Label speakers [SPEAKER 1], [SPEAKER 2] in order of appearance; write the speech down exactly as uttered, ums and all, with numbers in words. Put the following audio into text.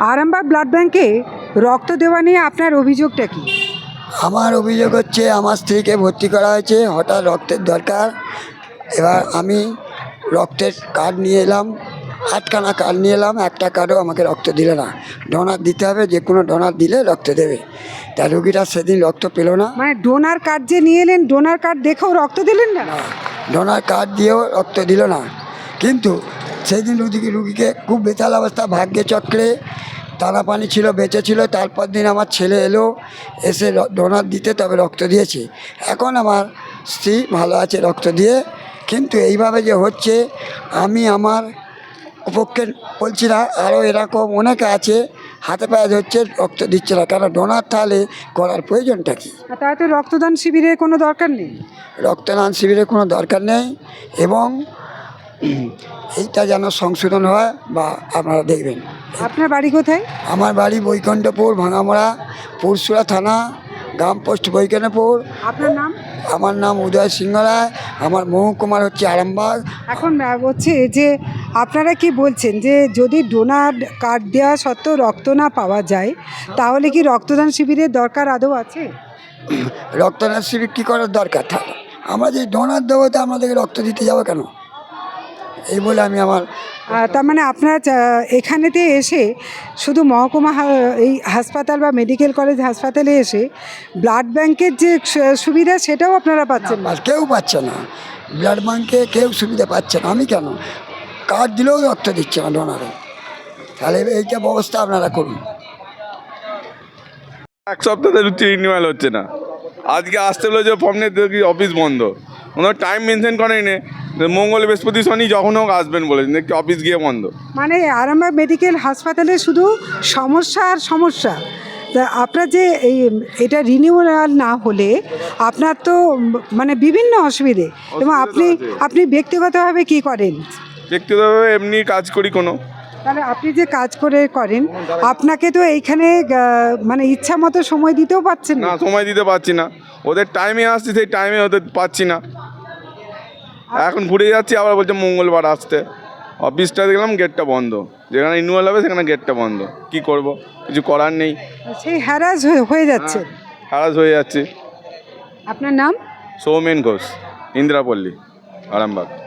[SPEAKER 1] Arambagh blood ব্যাংকে রক্ত দেওয়া নিয়ে আপনার অভিযোগটা কি?
[SPEAKER 2] আমার অভিযোগ হচ্ছে আমার স্ত্রীকে ভর্তি করা হয়েছে, হঠাৎ রক্তের দরকার। এবার আমি রক্তের কার্ড নিয়ে এলাম, আটখানা কার্ড নিয়ে এলাম, একটা কার্ডও আমাকে রক্ত দিলে না। ডোনার দিতে হবে, যে কোনো ডোনার দিলে রক্ত দেবে। তা রুগীটা সেদিন রক্ত পেল না।
[SPEAKER 1] মানে ডোনার কার্ড যে নিয়ে এলেন, ডোনার কার্ড দেখেও রক্ত দিলেন না?
[SPEAKER 2] না, ডোনার কার্ড দিয়েও রক্ত দিল না। কিন্তু সেই দিন রুগীকে রুগীকে খুব বেতাল অবস্থা, ভাগ্যে চক্রে টানা পানি ছিল, বেঁচে ছিল। তারপর দিন আমার ছেলে এলো, এসে ডোনার দিতে তবে রক্ত দিয়েছে। এখন আমার স্ত্রী ভালো আছে রক্ত দিয়ে। কিন্তু এইভাবে যে হচ্ছে, আমি আমার পক্ষে বলছি না, আরও এরকম অনেকে আছে হাতে পায়ে ধরছে, রক্ত দিচ্ছে না। কেন ডোনার তাহলে করার প্রয়োজনটা কী?
[SPEAKER 1] তাই তো রক্তদান শিবিরের কোনো দরকার নেই।
[SPEAKER 2] রক্তদান শিবিরের কোনো দরকার নেই, এবং এইটা যেন সংশোধন হয় বা আপনারা দেখবেন।
[SPEAKER 1] আপনার বাড়ি কোথায়?
[SPEAKER 2] আমার বাড়ি বৈকুণ্ঠপুর, ভাঙামড়া, পুরসুরা থানা, গ্রাম পোস্ট বৈকুণ্ঠপুর।
[SPEAKER 1] আপনার নাম?
[SPEAKER 2] আমার নাম উদয় সিংহ রায়, আমার মহকুমার হচ্ছে আরামবাগ।
[SPEAKER 1] এখন হচ্ছে যে আপনারা কি বলছেন যে যদি ডোনার কার্ড দেওয়া সত্ত্বেও রক্ত না পাওয়া যায়, তাহলে কি রক্তদান শিবিরের দরকার আদৌ আছে?
[SPEAKER 2] রক্তদান শিবির কী করার দরকার থাকে? আমরা যে ডোনার দেবো, তো আমাদেরকে রক্ত দিতে যাবো কেন? এই বলে আমি আমার
[SPEAKER 1] তার মানে আপনারা এখানেতে এসে শুধু মহকুমা এই হাসপাতাল বা মেডিকেল কলেজ হাসপাতালে এসে ব্লাড ব্যাংকের যে সুবিধা সেটাও আপনারা পাচ্ছেন না?
[SPEAKER 2] কেউ পাচ্ছে না, ব্লাড ব্যাংকে কেউ সুবিধা পাচ্ছে না। আমি কেন, কার্ড দিলেও রক্ত দিচ্ছে না ডোনারে। তাহলে এইটা ব্যবস্থা আপনারা করুন।
[SPEAKER 3] এক সপ্তাহ ধরে রিনিউয়াল হচ্ছে না। আজকে আসতে হলো যে ফর্ম নিয়ে দেখি অফিস বন্ধ, ওনার টাইম মেনশন করেনি। মঙ্গল বৃহস্পতি শনি যখন হোক আসবেন বলেছেন, দেখছি অফিস গিয়ে বন্ধ।
[SPEAKER 1] মানে আরামবাগ মেডিকেল হাসপাতালে শুধু সমস্যা আর সমস্যা। তা আপনার যে এই এটা রিনিউয়াল না হলে আপনার তো মানে বিভিন্ন অসুবিধে, এবং আপনি আপনি ব্যক্তিগতভাবে কি করেন?
[SPEAKER 3] ব্যক্তিগতভাবে এমনি কাজ করি কোনো।
[SPEAKER 1] তাহলে আপনি যে কাজ করে করেন, আপনাকে তো এইখানে মানে ইচ্ছা মতো সময় দিতেও পাচ্ছেন
[SPEAKER 3] না, সময় দিতে পারছি না। ওদের টাইমে আসছি, সেই টাইমে ওদের পাচ্ছি না। এখন ঘুরে যাচ্ছি, আবার বলছে মঙ্গলবার আসতে। অফিসটা দেখলাম গেটটা বন্ধ, যেখানে রিনিউয়াল হবে সেখানে গেটটা বন্ধ। কি করব, কিছু করার নেই।
[SPEAKER 1] সেই হ্যারাস হয়ে যাচ্ছে।
[SPEAKER 3] হ্যারাস হয়ে যাচ্ছে।
[SPEAKER 1] আপনার নাম?
[SPEAKER 3] সৌমেন ঘোষ, ইন্দিরাপল্লী, আরামবাগ।